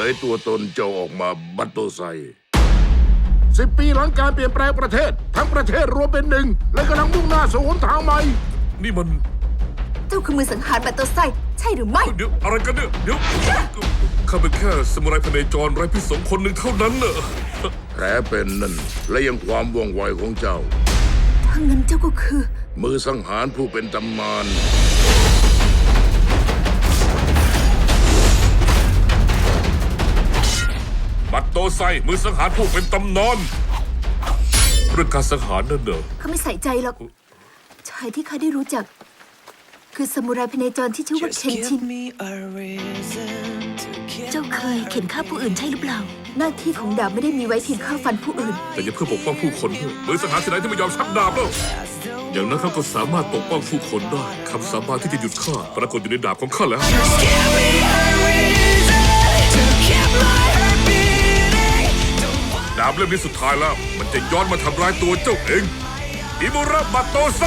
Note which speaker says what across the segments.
Speaker 1: ยตัวตนเจ้าออกมาบัตโตไซ10 ปีหลังการเปลี่ยนแปลงประเทศทั้งประเทศรวมเป็นหนึ่งและกำลังมุ่งหน้าสู่หนทางใหม่
Speaker 2: นี่มัน
Speaker 3: เจ้าคือมือสังหารบัตโตไซใช่หรือไม่
Speaker 2: เดี๋ยวอะไรกันเนี่ยเดี๋ยวข้าเป็นแค่สมุไรพเนจรไร้พิษสงคนหนึ่งเท่านั้นเนอะ
Speaker 1: แผลเป็นนั่นและยังความว่องไวของเจ้า
Speaker 3: ถ้างั้นเจ้าก็คือ
Speaker 1: มือสังหารผู้เป็นตำนาน
Speaker 2: บัตโตไซมือสังหารผู้เป็นตำนานเรื่องการสังหารนั่นเนอะ
Speaker 3: เขาไม่ใส่ใจหรอกชายที่เขาได้รู้จักคือซามูไรพเนจรที่ชื่อว่าเคนชินเจ้าเคยเข็นฆ่าผู้อื่นใช่หรือเปล่าหน้าที่ของดาบไม่ได้มีไว้เพียงฆ่าฟันผู้อื่น
Speaker 2: แต่ยังเพื่อปกป้องผู้คนมือสังหารที่ไหนที่ไม่ยอมชักดาบแล้วอย่างนั้นเขาก็สามารถปกป้องผู้คนได้คำสาบานที่จะหยุดข้าปรากฏอยู่ในดาบของข้าแล้วดาบเล่มนี้สุดท้ายแล้วมันจะย้อนมาทำร้ายตัวเจ้าเองอิมุระบัตโตไซ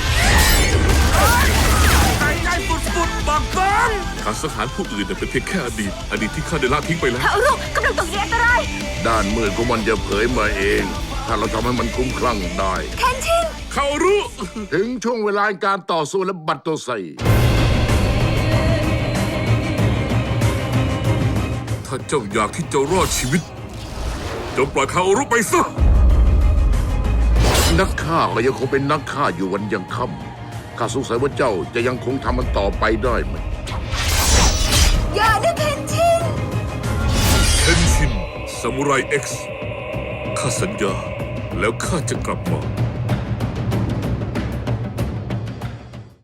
Speaker 2: ใจฟุดๆบักบังการสังหารผู้อื่นเป็นเพียงแค่อดีตที่ข้าได้ละทิ้งไปแล้ว
Speaker 3: เขาลูกกำลังตกอยู่อันตราย
Speaker 1: ด้านมืดของมันจะเผยมาเองถ้าเราทำให้มันคลุ้มคลั่งได้
Speaker 3: เคนชิน
Speaker 2: เขารู้
Speaker 1: ถึงช่วงเวลาการต่อสู้และบัตโตไซ
Speaker 2: ถ้าเจ้าอยากที่จะรอดชีวิตจงปล่อยเขารู้ไปซะ
Speaker 1: นักฆ่าก็ยังคงเป็นนักฆ่าอยู่วันยังค่ำข้าสงสัยว่าเจ้าจะยังคงทำมันต่อไปได้ไหม
Speaker 3: อย่านะเคนชิน
Speaker 2: ซามูไร X ข้าสัญญาแล้วข้าจะกลับมา